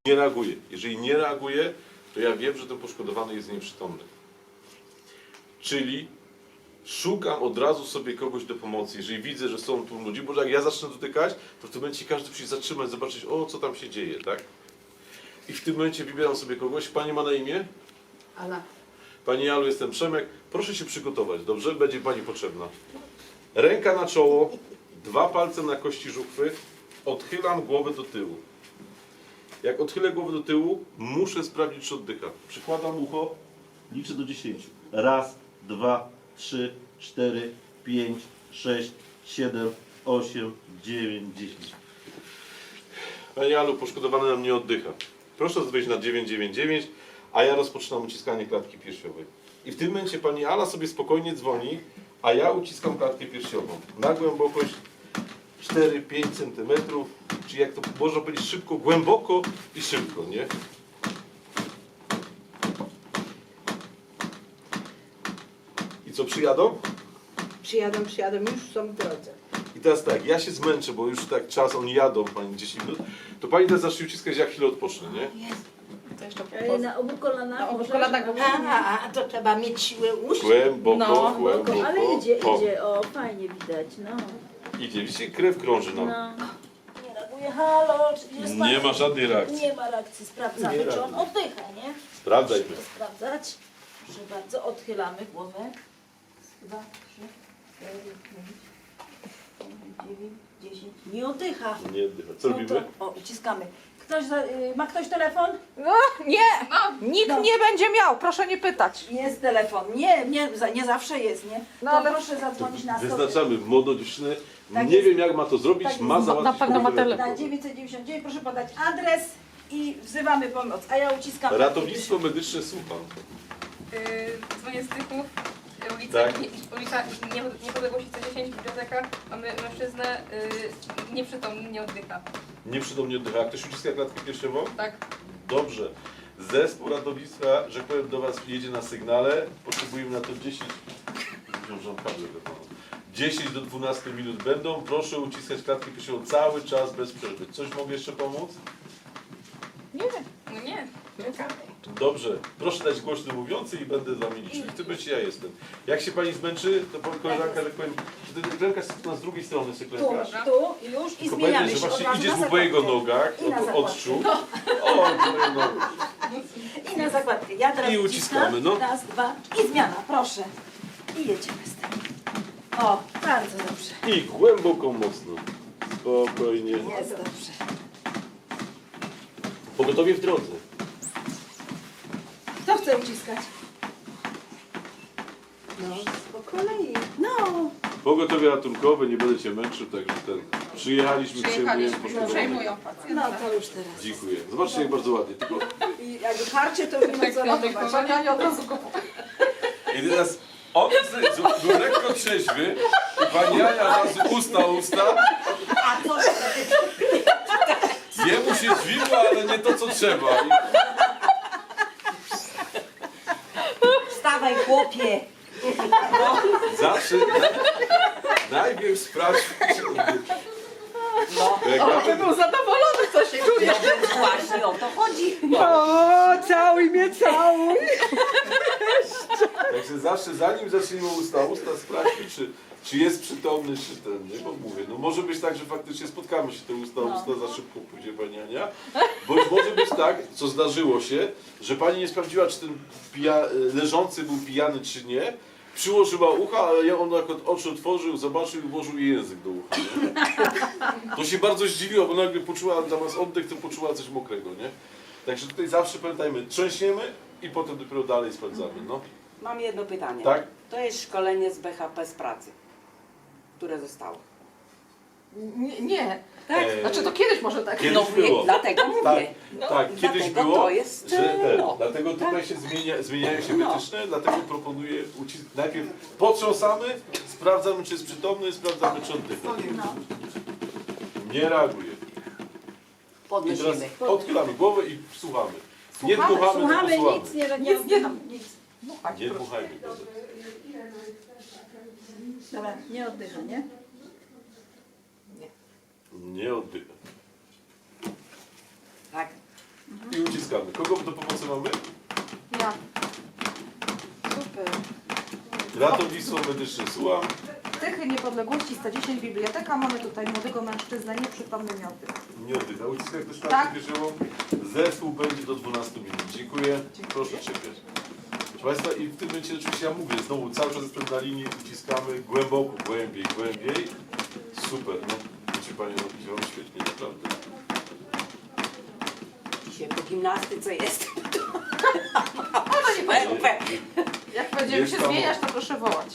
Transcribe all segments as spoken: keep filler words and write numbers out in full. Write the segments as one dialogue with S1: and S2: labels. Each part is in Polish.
S1: Nie reaguje. Jeżeli nie reaguje, to ja wiem, że ten poszkodowany jest nieprzytomny. Czyli szukam od razu sobie kogoś do pomocy. Jeżeli widzę, że są tu ludzie, bo jak ja zacznę dotykać, to w tym momencie każdy musi zatrzymać, zobaczyć, o, co tam się dzieje, tak? I w tym momencie wybieram sobie kogoś. Pani ma na imię?
S2: Ala.
S1: Pani Alu, jestem Przemek. Proszę się przygotować, dobrze? Będzie Pani potrzebna. Ręka na czoło, dwa palce na kości żuchwy. Odchylam głowę do tyłu. Jak odchylę głowę do tyłu, muszę sprawdzić, czy oddycha. Przykładam ucho, liczę do dziesięciu. Raz, dwa, trzy, cztery, pięć, sześć, siedem, osiem, dziewięć, dziesięć. Pani Alu, poszkodowany nam nie oddycha. Proszę wejść na dziewięć dziewięć dziewięć, a ja rozpoczynam uciskanie klatki piersiowej. I w tym momencie Pani Ala sobie spokojnie dzwoni, a ja uciskam klatkę piersiową. Na głębokość cztery pięć centymetrów, czyli jak to można powiedzieć szybko, głęboko i szybko, nie? I co, przyjadą?
S2: Przyjadą, przyjadą, już są w drodze.
S1: I teraz tak, ja się zmęczę, bo już tak czas, oni jadą, Pani dziesięć minut, to Pani teraz zacznie uciskać, jak chwilę odpocznie, nie?
S2: Jest.
S3: To jeszcze
S4: Ej,
S3: po...
S4: na obu kolanach.
S3: Na obu
S4: możesz?
S3: kolanach, bo-
S2: A, a to trzeba mieć siłę ust.
S1: Głęboko,
S3: No,
S1: głęboko.
S4: Ale idzie,
S1: O,
S4: idzie, o, fajnie widać, no.
S1: Idzie, widzicie, krew krąży nam.
S4: No. Nie reaguje, halo, czy jest
S1: Nie ma żadnej reakcji.
S4: Nie ma reakcji, sprawdzamy,
S1: Nie
S4: czy on
S1: reaguje.
S4: oddycha, nie?
S1: Sprawdzajmy.
S4: Musimy sprawdzać. Proszę bardzo, odchylamy głowę. Dwa, trzy, cztery, pięć, dziewięć, dziesięć. Nie oddycha.
S1: Nie oddycha. Co
S4: No
S1: robimy?
S4: to, o, uciskamy. Ktoś, za- y, ma ktoś telefon?
S3: No, nie! Nikt
S4: No.
S3: nie będzie miał, proszę nie pytać.
S4: Jest telefon. Nie, nie, za- nie zawsze jest, nie?
S3: No,
S4: to
S3: ale-
S4: proszę zadzwonić na sto.
S1: Wyznaczamy młodą dziewczynę.
S4: Tak
S1: Nie
S4: jest.
S1: wiem, jak ma to zrobić,
S4: Tak
S1: ma
S4: jest.
S1: załatwić
S3: Na pewno ma
S1: problem.
S3: telefon.
S4: Na dziewięćset dziewięćdziesiąt dziewięć proszę podać adres i wzywamy pomoc, a ja uciskam.
S1: Ratownictwo medyczne, słucham.
S5: Yy, dzwonię z Tychów, ulica,
S1: Tak.
S5: nie, ulica nie, Niepodległości sto dziesięć, biblioteka. Mamy mężczyznę, yy, nieprzytomny, nie oddycha.
S1: Nieprzytomnie oddycha. A ktoś uciska klatkę piersiową?
S5: Tak.
S1: Dobrze. Zespół ratownictwa, że powiem, do Was jedzie na sygnale. Potrzebujemy na to dziesięć. Wziąłem kabel do pana. dziesięć do dwunastu minut będą. Proszę uciskać klatkę piersiową cały czas bez przerwy. Coś mogę jeszcze pomóc?
S3: Nie,
S5: No nie.
S1: Dobrze. Proszę dać głośno mówiący i będę z Wami liczył. W tym momencie ja jestem. Jak się Pani zmęczy, to powie koleżanka, że powiem, że ten klękasz na z drugiej strony sobie
S4: Tu,
S1: klękasz.
S4: tu, już i
S1: Tylko
S4: zmieniamy
S1: pamiętaj, że
S4: się od
S1: właśnie
S4: razu
S1: idziesz
S4: na
S1: mu po jego
S4: zakładkę.
S1: nogach,
S4: I na
S1: od
S4: zakładkę.
S1: odczuł. O, moje nogi.
S4: I na zakładkę. Ja teraz
S1: I
S4: uciskam.
S1: uciskamy, no.
S4: Raz, dwa i zmiana, proszę. I jedziemy z tym. O, bardzo dobrze.
S1: I głęboko, mocno. Spokojnie.
S4: Jest dobrze.
S1: Pogotowie w drodze.
S4: Kto chce uciskać?
S2: No, po kolei.
S4: No.
S1: Pogotowie ratunkowe, nie będę Cię męczył, także ten. Przyjechaliśmy, przejmujemy
S5: Przyjechaliśmy,
S1: poszkodowanych.
S5: przejmują
S4: No
S5: pacjenta.
S4: to już teraz.
S1: Dziękuję. Zobaczcie, jak bardzo ładnie. Tylko
S4: I jak harcie, to już nie co robić.
S3: ja nie od razu kupuję.
S1: i teraz on jest- był lekko trzeźwy i pani Ania razu usta, usta.
S4: A to
S1: Jemu się dźwigło, ale nie to, co trzeba. I
S4: wstawaj, chłopie.
S1: zawsze najpierw sprawdź.
S4: No.
S1: Jak ja
S3: By był zadowolony, co się czuje.
S4: No więc właśnie o to chodzi.
S2: O, całuj mnie, całuj.
S1: Także zawsze, zanim zaczniemy usta, usta sprawdźmy, czy, czy jest przytomny, czy ten, nie? Bo mówię, no może być tak, że faktycznie spotkamy się te usta,
S4: No.
S1: usta za szybko pójdzie pani Ania, bądź może być tak, co zdarzyło się, że pani nie sprawdziła, czy ten pija, leżący był pijany, czy nie, przyłożyła ucha, ale ja on jak oczy otworzył, zobaczył i włożył jej język do ucha, nie? To się bardzo zdziwiło, bo nagle poczuła, zamiast oddech, to poczuła coś mokrego, nie? Także tutaj zawsze pamiętajmy, trzęsiemy i potem dopiero dalej sprawdzamy, no.
S6: Mam jedno pytanie.
S1: Tak?
S6: To jest szkolenie z B H P z pracy, które zostało.
S3: Nie, nie.
S6: Tak?
S1: Eee,
S3: Znaczy to kiedyś może tak.
S1: Kiedyś
S6: No mówię,
S1: było.
S6: dlatego mówię.
S1: Tak, tak, kiedyś
S6: dlatego
S1: było,
S6: to jest,
S1: że ten,
S6: no.
S1: dlatego tutaj się zmienia, zmieniają się
S6: No.
S1: wytyczne, dlatego proponuję ucisk. Najpierw potrząsamy, sprawdzamy, czy jest przytomny, sprawdzamy, czy oddycha.
S4: No.
S1: Nie reaguje. I teraz
S6: Podnosimy.
S1: odchylamy głowę i słuchamy. Nie
S3: Słuchamy,
S1: dmuchamy,
S4: Słuchamy,
S1: tylko słuchamy.
S4: nic nie, nie,
S3: Nic nie dam.
S4: nic.
S3: Dmuchać,
S1: Nie
S3: proszę.
S1: dmuchajmy.
S4: Dobra, nie oddycha, nie?
S1: Nie oddycha.
S6: Tak.
S1: uciskamy. Kogo do pomocy mamy?
S3: Ja. Super.
S1: Ratownictwo medyczne, słucham.
S3: Tychy Niepodległości sto dziesięć biblioteka. Mamy tutaj młodego mężczyznę, nieprzytomny miał tych.
S1: Nie oddycha. Uciskać też
S3: Tak.
S1: tak piersiową. Zespół będzie do dwunastu minut. Dziękuję. Proszę czekać. Proszę Państwa, i w tym momencie oczywiście ja mówię, znowu cały czas jestem na linii, uciskamy głęboko, głębiej, głębiej. Super, no. Wiecie Panie, no działam świetnie, naprawdę.
S6: Dzisiaj po gimnastyce jest.
S3: Ona nie powiem.
S6: Super.
S3: Jak będziemy
S1: Jest
S3: się
S1: tam-
S3: zmieniać, to proszę wołać.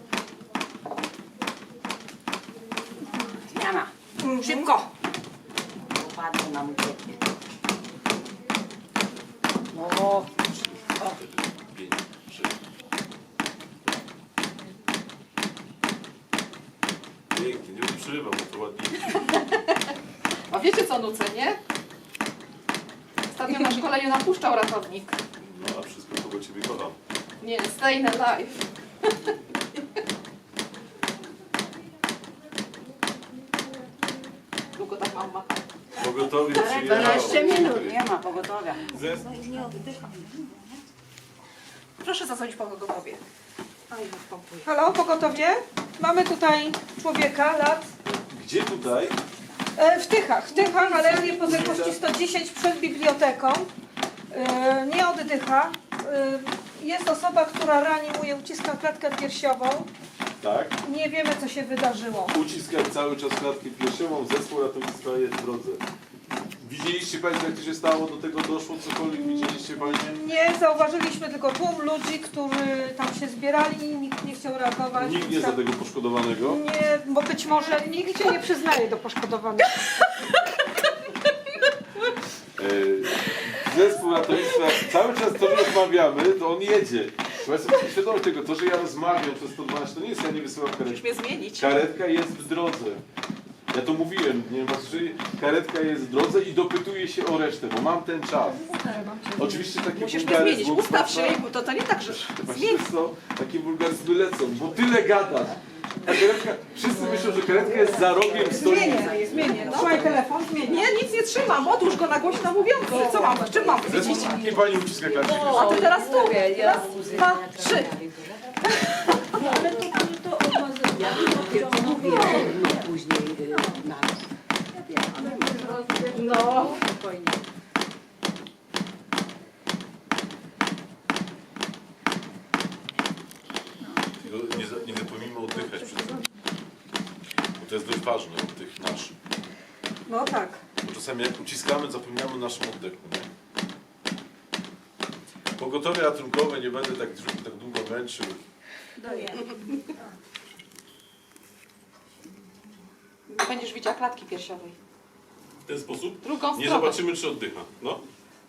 S6: Zmiana. Szybko. Upadło nam ucieknie. No.
S1: Pięć, sześć. Pięknie, nie przerywam, bo to ładnie.
S3: A wiecie co nucę, nie? Ostatnio na szkoleniu napuszczał ratownik.
S1: No a wszystko kogo Ciebie kocham.
S3: Nie, stay alive. Długo tak mam machać.
S1: Pogotowie
S2: dwanaście minut.
S6: Nie ma pogotowia.
S1: Zespół.
S3: Proszę zadzwonić po pogotowie.
S7: Halo, pogotowie? Mamy tutaj człowieka, lat
S1: Gdzie tutaj?
S7: e, w Tychach, w Tychach, ale niepodległości sto dziesięć przed biblioteką. E, nie oddycha. E, jest osoba, która reanimuje, uciska klatkę piersiową.
S1: Tak.
S7: Nie wiemy, co się wydarzyło.
S1: Uciskać cały czas klatkę piersiową, zespół ratownictwa jest w drodze. Widzieliście Państwo, jak to się stało, do tego doszło, cokolwiek widzieliście Panie?
S7: Nie zauważyliśmy tylko tłum ludzi, którzy tam się zbierali, nikt nie chciał reagować.
S1: Nikt nie za tego poszkodowanego.
S7: Nie, bo być może nikt się nie przyznaje do poszkodowanych.
S1: E, Zespół ratownictwa, cały czas to, że rozmawiamy, to on jedzie. Państwo macie świadomość tego, to, że ja rozmawiam przez sto dwanaście, to nie jest, ja nie wysyłam karetki.
S6: Musimy zmienić.
S1: Karetka jest w drodze. Ja to mówiłem, nie wiem, was słyszeli? Karetka jest w drodze i dopytuję się o resztę, bo mam ten czas. Oczywiście takie
S6: Musisz mnie
S1: wulgaryzmy
S6: zmienić.
S1: od
S6: Ustaw się,
S1: Państwa-
S6: bo to, to nie tak, że
S1: Właśnie co? Takie wulgaryzmy lecą, bo tyle gadasz. A karetka, wszyscy myślą, że karetka jest za rogiem stolicy.
S7: Zmienię, zmienię. Trzymaj telefon, zmienię.
S3: Nie, nic nie trzymam. Odłóż go na głośno mówiący. Co mam? Czym mam
S1: Zespół,
S3: widzieć?
S1: nie pani uciska klatki.
S3: A ty teraz tu. Raz, dwa, trzy.
S4: Ale to, to, to odmazuje.
S6: ja dopiero mówiłem, no później y, na
S3: No.
S6: spokojnie.
S1: Tylko Nie, za- nie zapomnijmy oddychać przy tym. Bo to jest dość ważne, oddech nasz.
S7: No tak.
S1: Bo czasami jak uciskamy, zapominamy o naszym oddechu. Nie? Pogotowie ratunkowe, nie będę tak, tak długo męczył.
S3: Będziesz widziała klatki piersiowej.
S1: W ten sposób
S3: Drugą
S1: nie
S3: stronę.
S1: zobaczymy, czy oddycha. No,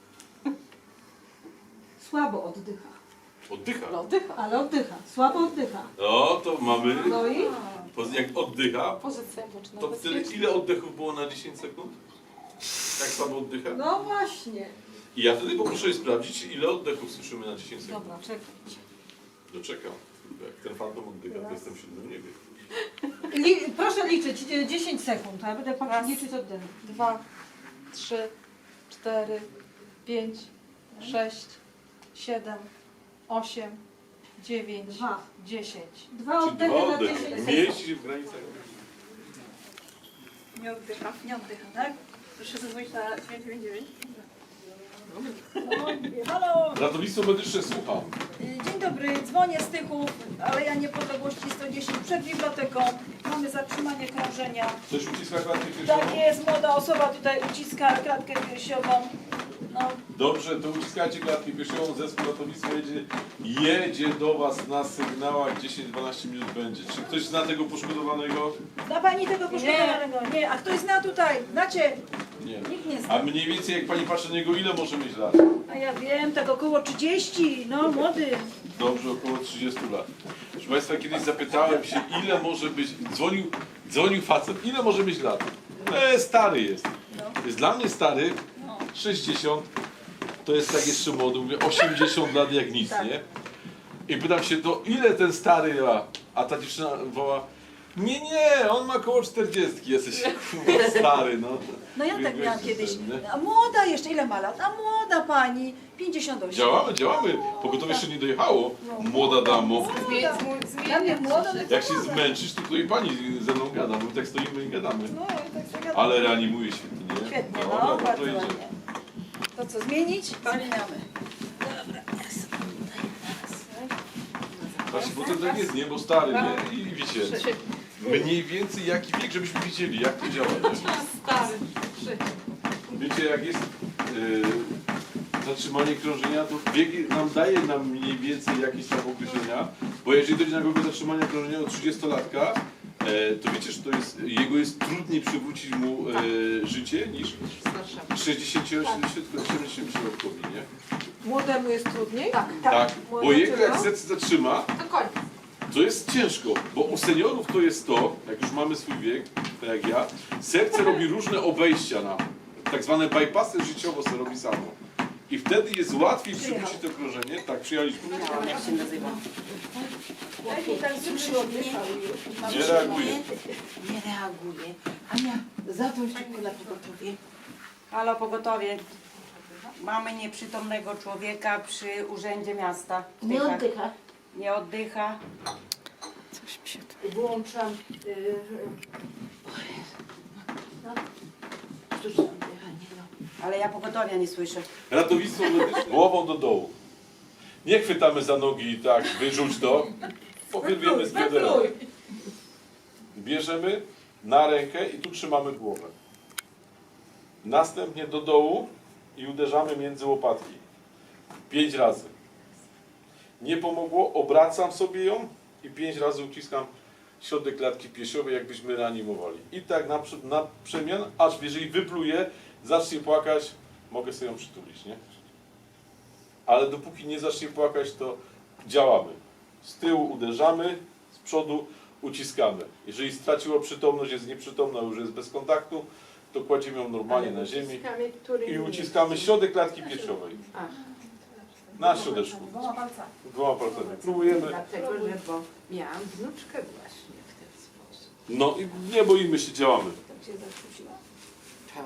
S7: Słabo oddycha.
S1: oddycha.
S3: No, oddycha.
S7: Ale oddycha. Słabo oddycha.
S1: No, to mamy,
S7: No i?
S1: po- jak oddycha,
S3: Pozycja boczna.
S1: to wtedy ile oddechów było na dziesięć sekund? Jak słabo oddycha?
S7: No właśnie.
S1: I ja wtedy poproszę je sprawdzić, ile oddechów słyszymy na dziesięć sekund.
S7: Dobra, czekaj.
S1: Doczekam. Jak ten fantom oddycha, to jestem w siódmym niebie.
S7: Li proszę liczyć e, dziesięć sekund, a ja będę patrzeć
S3: Raz.
S7: liczyć oddechu.
S3: Dwa, trzy, cztery, pięć, sześć, siedem, osiem, dziewięć,
S7: Dwa.
S3: dziesięć.
S7: Dwa
S1: Czy
S7: oddechy
S1: dwa
S7: na
S1: oddechy?
S7: dziesięć sekund.
S1: Mieści się w granicach.
S5: Nie oddycha, nie oddycha, tak? Proszę zadzwonić na dziewięć dziewięć dziewięć.
S4: Halo,
S1: Ratownictwo medyczne, słucham.
S4: dzień dobry, dzwonię z Tychów, Aleja Niepodległości sto dziesięć przed biblioteką. Mamy zatrzymanie krążenia.
S1: Coś uciska klatkę
S4: Tak
S1: piersiową?
S4: jest, młoda osoba tutaj uciska klatkę piersiową. No,
S1: Dobrze, to uciskajcie klatkę piersiową, zespół ratownictwa jedzie, jedzie do Was na sygnałach, dziesięć dwanaście minut będzie. Czy ktoś zna tego poszkodowanego?
S4: zna pani tego poszkodowanego? Nie, a ktoś zna tutaj? Znacie?
S1: Nie.
S4: Nikt nie zna.
S1: A mniej więcej jak Pani patrzy na niego, ile może mieć lat?
S4: A ja wiem, tak około trzydzieści, no młody.
S1: Dobrze, około trzydziestu lat. Proszę Państwa, kiedyś zapytałem się, ile może być, dzwonił, dzwonił facet, ile może mieć lat? E, stary jest. Jest dla mnie stary, sześćdziesiąt, to jest tak jeszcze młody, mówię osiemdziesiąt lat jak nic, nie? I pytam się, to ile ten stary ma? A ta dziewczyna woła, Nie, nie, on ma koło czterdziestki, jesteś kurwa stary, no.
S4: No ja tak
S1: Biegłeś
S4: miałam
S1: ten,
S4: kiedyś.
S1: nie?
S4: A młoda jeszcze, ile ma lat? A młoda pani, pięćdziesiąt osiem.
S1: Działamy, działamy. Pogotowie jeszcze nie dojechało. Młoda damo.
S3: Zmie- zmu-
S4: Ja mnie młoda,
S3: zmieniać
S4: no
S1: Jak się zmęczysz, to tutaj pani ze mną gada. My tak stoimy i gadamy.
S4: No, tak zagadam.
S1: Ale reanimuje świetnie, nie?
S4: Świetnie,
S1: Dobra,
S4: no,
S1: to
S4: bardzo
S1: idzie.
S4: ładnie. To co, zmienić? Zmieniamy. Dobra, ja sobie tutaj raz.
S1: Właśnie, bo to tak jest, nie? Bo stary, nie? I wiecie, mniej więcej jaki wiek, żebyśmy widzieli, jak to działa, nie?
S3: Stary. Trzy.
S1: Wiecie, jak jest yy, zatrzymanie krążenia, to wiek nam daje nam mniej więcej jakieś tam określenia, bo jeżeli dojdzie na kogoś zatrzymania krążenia od trzydziestolatka, e, to wiecie, że to jest, jego jest trudniej przywrócić mu e, życie niż
S3: Starszemu.
S1: sześćdziesięcio-osiemdziesięciolatkowi, nie?
S7: Młodemu jest trudniej?
S3: Tak.
S1: Tak, bo jego jak serce zatrzyma,
S3: To koniec.
S1: to jest ciężko, bo u seniorów to jest to, jak już mamy swój wiek, tak jak ja, serce robi różne obejścia na tak zwane bypassy życiowo se robi samo. I wtedy jest łatwiej przywrócić to krążenie. Tak, przyjechaliśmy.
S6: Jak się nazywa?
S1: Nie reaguje.
S6: Nie reaguje. Ania, zadzwoń szybko na pogotowie. Halo, pogotowie. Mamy nieprzytomnego człowieka przy urzędzie miasta. w
S2: Nie
S6: Tychach.
S2: oddycha.
S6: Nie oddycha.
S2: Włączam. Yy, no. Sztuczne oddychanie. No.
S6: Ale ja pogotowia nie słyszę.
S1: Ratownictwo medyczne. Głową do dołu. Nie chwytamy za nogi i tak, wyrzuć to. Powierwiemy z biodra. Bierzemy na rękę i tu trzymamy głowę. Następnie do dołu i uderzamy między łopatki. Pięć razy. Nie pomogło, obracam sobie ją i pięć razy uciskam środek klatki piersiowej, jakbyśmy reanimowali. I tak na, prze- na przemian, aż jeżeli wypluje, zacznie płakać, mogę sobie ją przytulić, nie? Ale dopóki nie zacznie płakać, to działamy. Z tyłu uderzamy, z przodu uciskamy. Jeżeli straciła przytomność, jest nieprzytomna, już jest bez kontaktu, to kładziemy ją normalnie na ziemi i uciskamy środek klatki piersiowej. Na środeczku.
S3: Dwoma palcami.
S1: Dwoma palcami. Próbujemy.
S2: Dlatego, że bo miałam wnuczkę właśnie w ten sposób.
S1: No i nie boimy się, działamy.
S2: Tak się zakłóciła. Tak.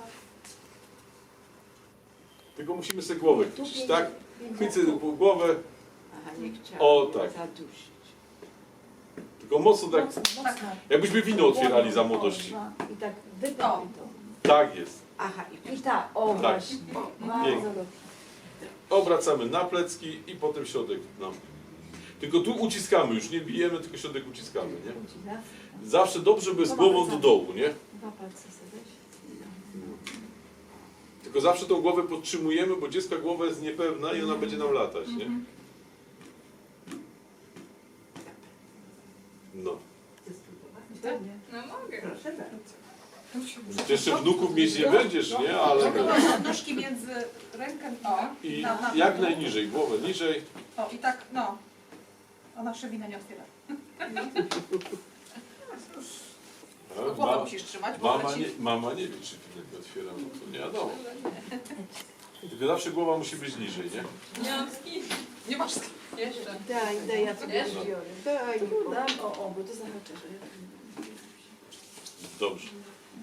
S1: Tylko musimy sobie głowę chwycić, tak? Chwycę głowę,
S2: Aha, nie chciałam
S1: O, tak.
S2: zadusić.
S1: tylko mocno tak, jakbyśmy wino otwierali za młodości.
S2: I tak wypij
S3: O.
S2: to.
S1: Tak jest.
S2: Aha, i, i tak, o
S1: Tak.
S2: właśnie. Bardzo
S1: Pięknie.
S2: dobrze.
S1: Obracamy na plecki i potem środek nam. Tylko tu uciskamy, już nie bijemy, tylko środek uciskamy, nie?
S2: Ucina.
S1: Zawsze dobrze, by z głową do dołu, nie?
S2: Dwa palce sobie weź.
S1: Tylko zawsze tą głowę podtrzymujemy, bo dziecka głowa jest niepewna i ona będzie nam latać, nie? No.
S5: No mogę.
S2: Proszę bardzo.
S1: Ty jeszcze wnuków mieć nie będziesz, nie? Ale...
S7: Nóżki między rękę i...
S1: I
S7: Na- na-
S1: jak najniżej, głowę niżej.
S7: O, i tak, no. Ona szybina nie otwiera.
S1: No,
S3: Głowę
S1: ma-
S3: musisz trzymać, bo
S1: Mama
S3: leci.
S1: nie, mama nie wie, czy filet otwiera, no to nie wiadomo. Tylko zawsze głowa musi być niżej, nie?
S5: Nie mam skin.
S3: Nie masz sk-
S5: Jeszcze.
S2: Daj, daj, ja sobie
S5: Wiesz?
S2: biorę. Daj,
S4: Dam, o, o, bo to zahaczę, że ja...
S1: Dobrze.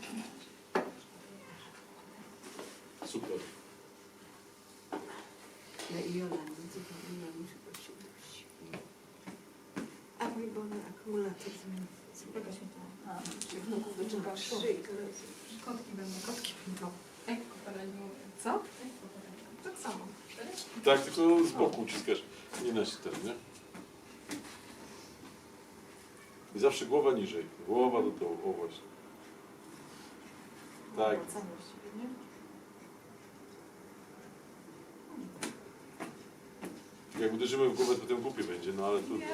S1: Super.
S2: Ja i Jola, widzę, to ja muszę go się udusić. A mój Boże, akumulator zmienił. Się wnuków wyczuwa szyi.
S3: Kotki będą. Kotki będą.
S5: Jak kopera nie mówię.
S3: Co? Tak samo.
S1: Tak, tylko z boku uciskasz, nie na ten, nie? I zawsze głowa niżej. Głowa do dołu, o właśnie. Tak.
S3: Wracamy właściwie, nie?
S1: Jak uderzymy w głowę, to potem głupie będzie, no ale trudno.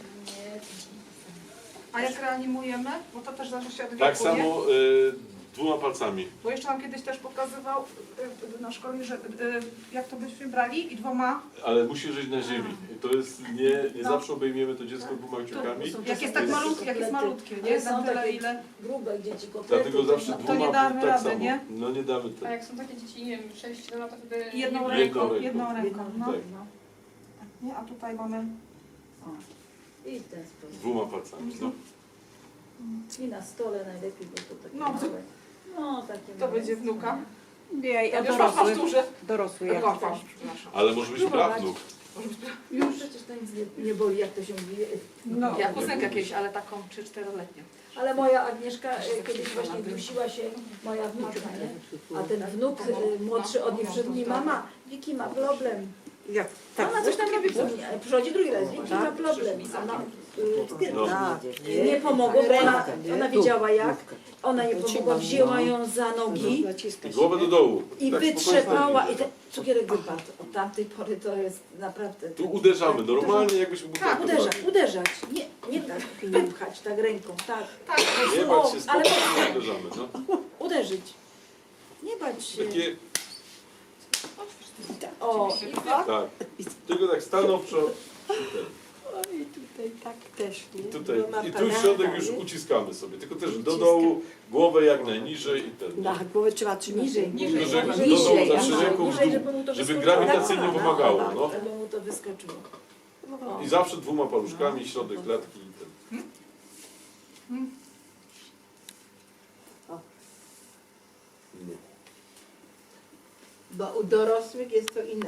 S7: A jak reanimujemy? Bo to też zależy się od wieku,
S1: Tak
S7: nie?
S1: samo y, dwoma palcami.
S7: Bo jeszcze nam kiedyś też pokazywał y, na szkole, że y, jak to byśmy brali i dwoma,
S1: Ale musi żyć na ziemi. I to jest, nie, nie
S7: No.
S1: zawsze obejmiemy to dziecko dwoma kciukami.
S7: jak jest tak malutkie, jak jest malutkie, nie?
S4: Ale są
S7: Na tyle
S4: takie
S7: ile...
S4: grube, gdzie ci kotlety...
S1: Dlatego zawsze
S4: no,
S7: to
S1: dwoma
S7: nie damy
S1: tak
S7: rady,
S1: samo.
S7: nie?
S1: No nie damy
S5: A
S1: tak.
S5: jak są takie dzieci, nie wiem, sześć siedem lat, to wtedy...
S7: Jedną
S5: nie-
S7: ręką,
S1: ręką.
S7: jedną ręką, no.
S1: Tak.
S7: Nie, a tutaj mamy...
S2: I w ten sposób.
S1: Dwoma palcami, no.
S4: I na stole najlepiej, bo to takie
S3: No,
S4: małe. No, takie
S3: To
S4: małe.
S3: będzie wnuka.
S6: Nie, ja
S3: Już masz, masz
S6: dorosły.
S3: duże.
S6: Dorosły jak
S3: Masz,
S6: chcesz.
S3: masz, przepraszam.
S1: Ale może być prawnuk.
S4: Już przecież to nic nie, nie boli, jak to się mówi.
S6: No.
S3: Ja kuzynkę kiedyś, ale taką trzy czteroletnią.
S4: Ale moja Agnieszka e, kiedyś właśnie dusiła się, moja wnuczka, nie? A ten wnuk e, młodszy od niej przyszedł mi, mama, Wiki ma problem.
S6: Jak tak.
S4: Ona coś tam robi, nie, przychodzi drugi raz, Wiki ma problem. Ona, y,
S1: No.
S4: nie pomogło, bo ona, ona wiedziała jak. Ona nie pomogła, wzięła ją za nogi
S1: I głowę do dołu.
S4: i
S1: Tak,
S4: wytrzepała
S1: spokojnie.
S4: i ten cukierek wypadł. Od tamtej pory to jest naprawdę...
S1: Tu uderzamy, normalnie jakbyśmy butelkę
S4: Tak, uderzać,
S1: brali.
S4: uderzać. Nie, nie tak, wypchać tak ręką, tak.
S3: Tak,
S1: Nie
S4: O,
S1: bać się,
S4: ale
S1: spokojnie uderzamy. No.
S4: uderzyć. Nie bać się.
S1: Takie,
S4: O, i tak.
S1: tak. Tylko tak stanął przed...
S2: Oj, tutaj tak też, nie?
S1: I tutaj,
S2: Bo ma
S1: i tu
S2: panada,
S1: środek już
S2: nie?
S1: uciskamy sobie, tylko też do
S2: Uciskam.
S1: dołu, głowę jak najniżej i ten.
S2: Na głowę trzeba trzymać.
S4: Niżej,
S3: niżej,
S1: Tylko, żeby
S3: niżej,
S1: do dołu
S2: niżej,
S1: zawsze
S2: aha,
S1: ręką w
S4: niżej,
S1: dół,
S4: żeby mu to
S1: żeby
S4: wyskoczyło.
S1: grawitacyjnie
S2: Na
S1: pomagało.
S2: kolana,
S1: No.
S4: Żeby mu to wyskoczyło. O.
S1: I zawsze dwoma paluszkami, środek klatki i ten. No.
S2: Bo u dorosłych jest to inaczej.